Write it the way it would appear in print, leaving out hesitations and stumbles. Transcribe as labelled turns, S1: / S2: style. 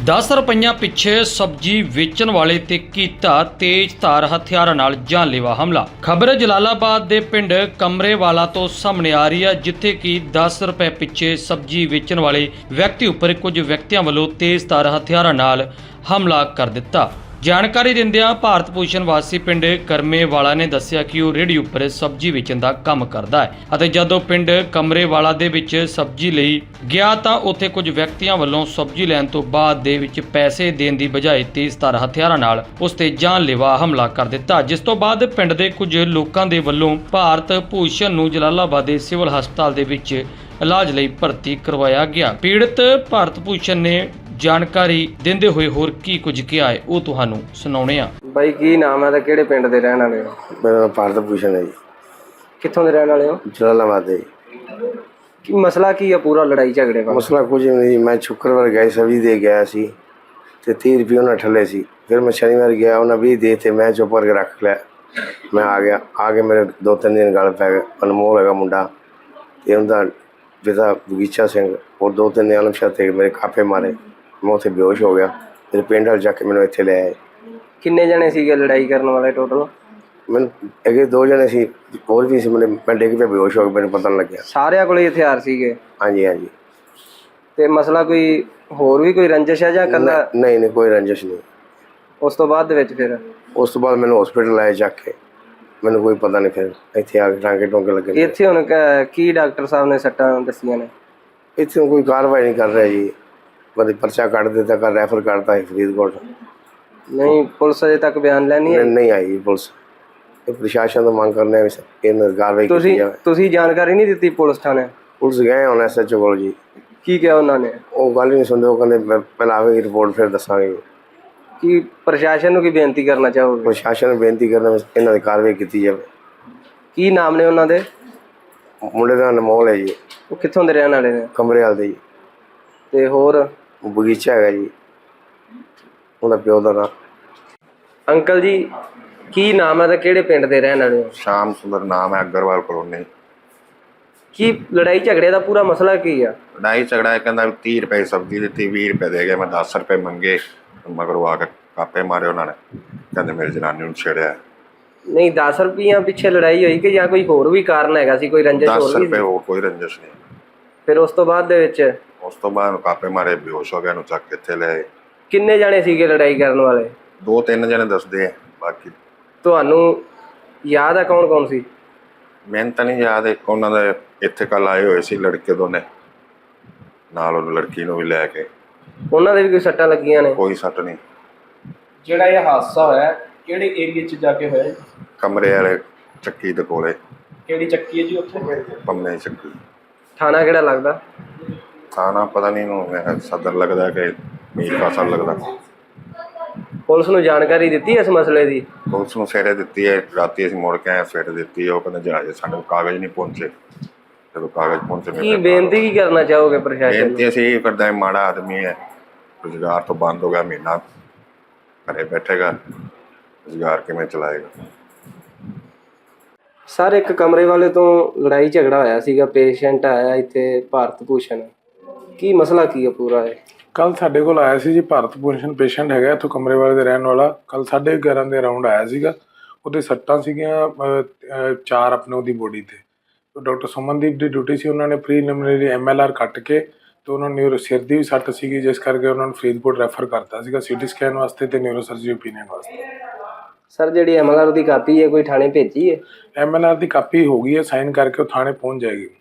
S1: 10 ਰੁਪਈਆਂ ਪਿੱਛੇ ਸਬਜ਼ੀ ਵੇਚਣ ਵਾਲੇ ਤੇ ਕੀਤਾ ਤੇਜ਼ਧਾਰ ਹਥਿਆਰਾਂ ਨਾਲ ਜਾਨਲੇਵਾ ਹਮਲਾ। ਖਬਰ ਜਲਾਲਾਬਾਦ ਦੇ ਪਿੰਡ ਕਮਰੇਵਾਲਾ ਤੋਂ ਸਾਹਮਣੇ ਆ ਰਹੀ ਹੈ, ਜਿੱਥੇ ਕਿ 10 ਰੁਪਏ ਪਿੱਛੇ ਸਬਜ਼ੀ ਵੇਚਣ ਵਾਲੇ ਵਿਅਕਤੀ ਉੱਪਰ ਕੁਝ ਵਿਅਕਤੀਆਂ ਵੱਲੋਂ ਤੇਜ਼ਧਾਰ ਹਥਿਆਰਾਂ ਨਾਲ ਹਮਲਾ ਕਰ ਦਿੱਤਾ। ਜਾਣਕਾਰੀ ਦਿੰਦਿਆਂ ਭਾਰਤ ਭੂਸ਼ਣ ਵਾਸੀ ਪਿੰਡ ਕਰਮੇਵਾਲਾ ਨੇ ਦੱਸਿਆ ਕਿ ਉਹ ਰੇਹੜੀ ਉੱਪਰ ਸਬਜ਼ੀ ਵੇਚਣ ਦਾ ਕੰਮ ਕਰਦਾ ਹੈ ਅਤੇ ਜਦੋਂ ਪਿੰਡ ਕਮਰੇਵਾਲਾ ਦੇ ਵਿੱਚ ਸਬਜ਼ੀ ਲਈ ਗਿਆ ਤਾਂ ਉੱਥੇ ਕੁਝ ਵਿਅਕਤੀਆਂ ਵੱਲੋਂ ਸਬਜ਼ੀ ਲੈਣ ਤੋਂ ਬਾਅਦ ਦੇ ਵਿੱਚ ਪੈਸੇ ਦੇਣ ਦੀ ਬਜਾਏ ਤੇਜ਼ਧਾਰ ਹਥਿਆਰਾਂ ਨਾਲ ਉਸ ਤੇ ਜਾਨਲੇਵਾ ਹਮਲਾ ਕਰ ਦਿੱਤਾ, ਜਿਸ ਤੋਂ ਬਾਅਦ ਪਿੰਡ ਦੇ ਕੁਝ ਲੋਕਾਂ ਦੇ ਵੱਲੋਂ ਭਾਰਤ ਭੂਸ਼ਣ ਨੂੰ ਜਲਾਲਾਬਾਦ ਦੇ ਸਿਵਲ ਹਸਪਤਾਲ ਦੇ ਵਿੱਚ ਇਲਾਜ ਲਈ ਭਰਤੀ ਕਰਵਾਇਆ ਗਿਆ। ਪੀੜਤ ਭਾਰਤ ਭੂਸ਼ਣ ਨੇ ਜਾਣਕਾਰੀ ਦਿੰਦੇ ਹੋਏ ਹੋਰ ਕੀ ਕੁਝ ਕਿਹਾ ਹੈ ਉਹ ਤੁਹਾਨੂੰ ਸੁਣਾਉਣੇ ਆ।
S2: ਬਾਈ ਕੀ ਨਾਮ ਹੈ ਤੇ ਕਿਹੜੇ ਪਿੰਡ ਦੇ ਰਹਿਣ ਵਾਲੇ ਹੋ?
S3: ਮੇਰਾ ਨਾਮ ਭਾਰਤ ਭੂਸ਼ਣ ਹੈ ਜੀ।
S2: ਕਿੱਥੋਂ ਦੇ ਰਹਿਣ ਵਾਲੇ ਹੋ?
S3: ਜਲਾਲਾਬਾਦ ਦੇ।
S2: ਕੀ ਮਸਲਾ ਕੀ ਹੈ ਪੂਰਾ ਲੜਾਈ ਝਗੜੇ ਦਾ?
S3: ਮਸਲਾ ਕੁਝ ਨਹੀਂ, ਮੈਂ ਸ਼ੁੱਕਰਵਾਰ ਗਿਆ ਸਬਜ਼ੀ ਦੇ ਗਿਆ ਸੀ ਤੇ 30 ਰੁਪਏ ਉਹਨਾਂ ਠੱਲੇ ਸੀ। ਫਿਰ ਮੈਂ ਸ਼ਨੀਵਾਰ ਗਿਆ, ਉਹਨਾਂ 20 ਦੇ ਤੇ ਮੈਂ ਚੁੱਪ ਕਰਕੇ ਰੱਖ ਲਿਆ। ਮੈਂ ਆ ਗਿਆ ਮੇਰੇ 2-3 ਦਿਨ ਗੱਲ ਪੈ ਗਏ। ਅਨਮੋਲ ਹੈਗਾ ਮੁੰਡਾ ਤੇ ਉਹਦਾ ਪਿਤਾ ਬਗੀਚਾ ਸਿੰਘ ਔਰ 2-3 ਆਲਮ ਸ਼ਾਹ ਤੇ ਮੇਰੇ ਕਾਪੇ ਮਾਰੇ। ਮੈਂ ਉੱਥੇ ਬੇਹੋਸ਼ ਹੋ ਗਿਆ। ਫਿਰ ਪਿੰਡ ਵਾਲ ਜਾ ਕੇ ਮੈਨੂੰ ਇੱਥੇ ਲੈ ਆਏ।
S2: ਕਿੰਨੇ ਜਣੇ ਸੀਗੇ ਲੜਾਈ ਕਰਨ ਵਾਲੇ ਟੋਟਲ?
S3: ਮੈਨੂੰ ਅੱਗੇ 2 ਜਣੇ ਸੀ, ਹੋਰ ਵੀ ਸੀ। ਮੈਂ ਡਿੱਗ ਪਿਆ, ਬੇਹੋਸ਼ ਹੋ ਗਿਆ, ਮੈਨੂੰ ਪਤਾ ਨਹੀਂ ਲੱਗਿਆ।
S2: ਸਾਰਿਆਂ ਕੋਲ ਹਥਿਆਰ ਸੀਗੇ?
S3: ਹਾਂਜੀ ਹਾਂਜੀ।
S2: ਤੇ ਮਸਲਾ ਕੋਈ ਹੋਰ ਵੀ ਕੋਈ ਰੰਜਿਸ਼ ਹੈ ਜਾਂ ਕੱਲਾ?
S3: ਨਹੀਂ ਕੋਈ ਰੰਜਿਸ਼ ਨਹੀਂ।
S2: ਉਸ ਤੋਂ ਬਾਅਦ ਦੇ ਵਿੱਚ ਫਿਰ
S3: ਉਸ ਤੋਂ ਬਾਅਦ ਮੈਨੂੰ ਹਸਪੀਟਲ ਲਾਇਆ ਜਾ ਕੇ, ਮੈਨੂੰ ਕੋਈ ਪਤਾ ਨਹੀਂ। ਫਿਰ ਇੱਥੇ ਆ ਕੇ ਟਾਂਕੇ ਟੋਂਕੇ ਲੱਗੇ।
S2: ਇੱਥੇ ਹੁਣ ਕੀ ਡਾਕਟਰ ਸਾਹਿਬ ਨੇ ਸੱਟਾਂ ਦੱਸੀਆਂ ਨੇ?
S3: ਇੱਥੇ ਕੋਈ ਕਾਰਵਾਈ ਨਹੀਂ ਕਰ ਰਿਹਾ ਜੀ। ਕਦੇ ਪਰਚਾ ਕੱਢ ਦਿੱਤਾ, ਕਰ ਰੈਫਰ ਕਰਤਾ ਹੈ ਫਰੀਦਕੋਟ।
S2: ਨਹੀਂ ਪੁਲਿਸ ਅਜੇ ਤੱਕ ਬਿਆਨ ਲੈਣੀ ਹੈ?
S3: ਨਹੀਂ ਆਈ ਪੁਲਿਸ। ਇਹ ਪ੍ਰਸ਼ਾਸਨ ਤੋਂ ਮੰਗ ਕਰਨੇ ਵੀ ਇਹਨਾਂ ਕਾਰਵਾਈ ਕੀਤੀ ਜਾਵੇ।
S2: ਤੁਸੀਂ ਜਾਣਕਾਰੀ ਨਹੀਂ ਦਿੱਤੀ ਪੁਲਿਸ ਥਾਣੇ?
S3: ਪੁਲਿਸ ਗਏ ਹੁਣ SHO ਕੋਲ ਜੀ।
S2: ਕੀ ਕਿਹਾ ਉਹਨਾਂ ਨੇ?
S3: ਉਹ ਗੱਲ ਹੀ ਨਹੀਂ ਸੁਣਦੇ। ਉਹ ਕਹਿੰਦੇ ਪਹਿਲਾਂ ਆਵੇਗੀ ਰਿਪੋਰਟ ਫਿਰ ਦੱਸਾਂਗੇ।
S2: ਕੀ ਪ੍ਰਸ਼ਾਸਨ ਨੂੰ ਕੀ ਬੇਨਤੀ ਕਰਨਾ ਚਾਹੋਗੇ?
S3: ਪ੍ਰਸ਼ਾਸਨ ਨੂੰ ਬੇਨਤੀ ਕਰਨਾ ਇਹਨਾਂ ਦੀ ਕਾਰਵਾਈ ਕੀਤੀ ਜਾਵੇ।
S2: ਕੀ ਨਾਮ ਨੇ ਉਹਨਾਂ ਦੇ?
S3: ਮੁੰਡੇ ਦਾ ਅਨਮੋਲ ਹੈ ਜੀ।
S2: ਉਹ ਕਿੱਥੋਂ ਦੇ ਰਹਿਣ ਵਾਲੇ ਨੇ?
S3: ਕਮਰੇਵਾਲ ਦੇ ਜੀ।
S2: ਤੇ ਹੋਰ?
S3: ਉਹ ਬਗੀਚਾ ਹੈਗਾ ਜੀ, ਉਹਦਾ ਪਿਓ ਦਾ ਨਾਮ।
S2: ਅੰਕਲ ਜੀ ਕੀ ਨਾਮ ਹੈ ਤੇ ਕਿਹੜੇ ਪਿੰਡ ਦੇ ਰਹਿਣ ਵਾਲੇ ਹੋ?
S4: ਸ਼ਾਮ ਸੁੰਦਰ ਨਾਮ ਹੈ, ਅਗਰਵਾਲ ਕਲੋਨੀ।
S2: ਕੀ ਲੜਾਈ ਝਗੜੇ ਦਾ ਪੂਰਾ ਮਸਲਾ ਕੀ ਆ?
S4: ਲੜਾਈ ਝਗੜਾ ਹੈ, ਕਹਿੰਦਾ 30 ਰੁਪਏ ਸਬਜ਼ੀ ਦਿੱਤੀ, 20 ਰੁਪਏ ਦੇ ਗਏ। ਮੈਂ 10 ਰੁਪਏ ਮੰਗੇ, ਮਗਰੋਂ ਆ ਕੇ ਕਾਪੇ ਮਾਰੇ ਉਹਨਾਂ ਨੇ। ਕਹਿੰਦੇ ਮੇਰੀ ਜਨਾਨੀ ਨੂੰ ਛੇੜਿਆ।
S2: ਨਹੀਂ 10 ਰੁਪਈਆਂ ਪਿੱਛੇ ਲੜਾਈ ਹੋਈ ਕਿ ਜਾਂ ਕੋਈ ਹੋਰ ਵੀ ਕਾਰਨ ਹੈਗਾ ਸੀ? ਕੋਈ ਰੰਜਿਸ਼
S4: 10
S2: ਹੋਰ ਵੀ
S4: ਰੁਪਏ
S2: ਸੀ?
S4: ਹੋਰ ਕੋਈ ਰੰਜਿਸ਼ ਨਹੀਂ।
S2: ਫਿਰ ਉਸ ਤੋਂ ਬਾਅਦ ਦੇ ਵਿੱਚ
S4: ਉਸ ਤੋਂ ਬਾਅਦ ਕਾਪੇ ਮਾਰੇ, ਬੇਹੋਸ਼ ਹੋ ਗਿਆ, ਨੂੰ ਚੱਕ ਕੇ ਇੱਥੇ ਲੈ ਆਏ।
S2: ਕਿੰਨੇ ਜਾਣੇ ਸੀਗੇ ਲੜਾਈ ਕਰਨ ਵਾਲੇ?
S4: 2-3 ਜਣੇ ਦੱਸਦੇ ਆ, ਬਾਕੀ
S2: ਤੁਹਾਨੂੰ ਯਾਦ ਆ ਕੌਣ ਕੌਣ ਸੀ?
S4: ਮੈਨੂੰ ਤਾਂ ਨਹੀਂ ਯਾਦ। ਇੱਕ ਉਹਨਾਂ ਦੇ ਇੱਥੇ ਕੱਲ ਆਏ ਹੋਏ ਸੀ ਲੜਕੇ ਦੋਨੇ, ਨਾਲ ਉਹਨੂੰ ਲੜਕੀ ਨੂੰ ਵੀ ਲੈ ਕੇ।
S2: ਉਹਨਾਂ ਦੇ ਵੀ ਕੋਈ ਸੱਟਾਂ ਲੱਗੀਆਂ ਨੇ?
S4: ਕੋਈ ਸੱਟ ਨਹੀਂ।
S5: ਜਿਹੜਾ ਇਹ ਹਾਦਸਾ ਹੋਇਆ ਕਿਹੜੇ ਏਰੀਏ 'ਚ ਜਾ ਕੇ ਹੋਇਆ?
S4: ਕਮਰੇ ਵਾਲੇ ਚੱਕੀ ਦੇ ਕੋਲੇ।
S5: ਕਿਹੜੀ ਚੱਕੀ ਹੈ ਜੀ ਉੱਥੇ?
S4: ਪੰਮੇ ਚੱਕੀ।
S2: ਥਾਣਾ ਕਿਹੜਾ ਲੱਗਦਾ?
S4: ਥਾਣਾ ਪਤਾ ਨਹੀਂ ਨੂੰ ਸਦਰ ਲੱਗਦਾ ਕਿ ਮੀਰ ਕਾਸਲ ਲੱਗਦਾ।
S2: ਪੁਲਿਸ ਨੂੰ ਜਾਣਕਾਰੀ ਦਿੱਤੀ ਇਸ ਮਸਲੇ ਦੀ?
S4: ਪੁਲਿਸ ਨੂੰ ਸਵੇਰੇ ਦਿੱਤੀ ਹੈ, ਰਾਤੀ ਅਸੀਂ ਮੁੜ ਕੇ ਆਏ, ਸਵੇਰੇ ਦਿੱਤੀ ਹੈ। ਉਹ ਕਹਿੰਦੇ ਜਹਾਜ਼ ਸਾਡੇ ਕੋਲ ਕਾਗਜ਼ ਨਹੀਂ ਪਹੁੰਚੇ। ਜਦੋਂ ਕਾਗਜ਼ ਪਹੁੰਚੇ
S2: ਕੀ ਬੇਨਤੀ ਕੀ ਕਰਨਾ ਚਾਹੋਗੇ ਪ੍ਰਸ਼ਾਸਨ ਨੂੰ?
S4: ਬੇਨਤੀ ਅਸੀਂ ਇਹ ਕਰਦਾ ਹੈ, ਮਾੜਾ ਆਦਮੀ ਹੈ, ਰੁਜ਼ਗਾਰ ਤੋਂ ਬੰਦ ਹੋ ਗਿਆ, ਮਹੀਨਾ ਘਰੇ ਬੈਠੇਗਾ, ਰੁਜ਼ਗਾਰ ਕਿਵੇਂ ਚਲਾਏਗਾ?
S2: ਸਰ ਇੱਕ ਕਮਰੇ ਵਾਲੇ ਤੋਂ ਲੜਾਈ ਝਗੜਾ ਹੋਇਆ ਸੀਗਾ, ਪੇਸ਼ੈਂਟ ਆਇਆ ਇੱਥੇ ਭਾਰਤ ਭੂਸ਼ਣ। ਕੀ ਮਸਲਾ ਕੀ ਹੈ ਪੂਰਾ? ਹੈ
S6: ਕੱਲ ਸਾਡੇ ਕੋਲ ਆਇਆ ਸੀ ਜੀ ਭਾਰਤ ਭੂਸ਼ਣ ਪੇਸ਼ੈਂਟ ਹੈਗਾ ਇੱਥੋਂ ਕਮਰੇਵਾਲੇ ਦੇ ਰਹਿਣ ਵਾਲਾ। ਕੱਲ 11:30 ਦੇ ਅਰਾਊਂਡ ਆਇਆ ਸੀਗਾ। ਉਹਦੇ ਸੱਟਾਂ ਸੀਗੀਆਂ 4 ਆਪਣੇ ਉਹਦੀ ਬੋਡੀ ਤੇ। ਡਾਕਟਰ ਸੁਮਨਦੀਪ ਦੀ ਡਿਊਟੀ ਸੀ, ਉਹਨਾਂ ਨੇ ਪ੍ਰੀਲਿਮਿਨਰੀ MLR ਕੱਟ ਕੇ ਤੇ ਉਹਨਾਂ ਨੂੰ ਸਿਰ ਦੀ ਵੀ ਸੱਟ ਸੀਗੀ, ਜਿਸ ਕਰਕੇ ਉਹਨਾਂ ਨੂੰ ਫਰੀਦਕੋਟ ਰੈਫਰ ਕਰਤਾ ਸੀਗਾ CT ਸਕੈਨ ਵਾਸਤੇ ਤੇ ਨਿਊਰੋ ਸਰਜਰੀ ਓਪੀਨੀਅਨ ਵਾਸਤੇ।
S2: ਸਰ ਜਿਹੜੀ MLR ਦੀ ਕਾਪੀ ਹੈ ਕੋਈ ਥਾਣੇ ਭੇਜੀ ਹੈ?
S6: MLR ਦੀ ਕਾਪੀ ਹੋ ਗਈ ਹੈ, ਸਾਈਨ ਕਰਕੇ ਉਹ ਥਾਣੇ ਪਹੁੰਚ ਜਾਏਗੀ।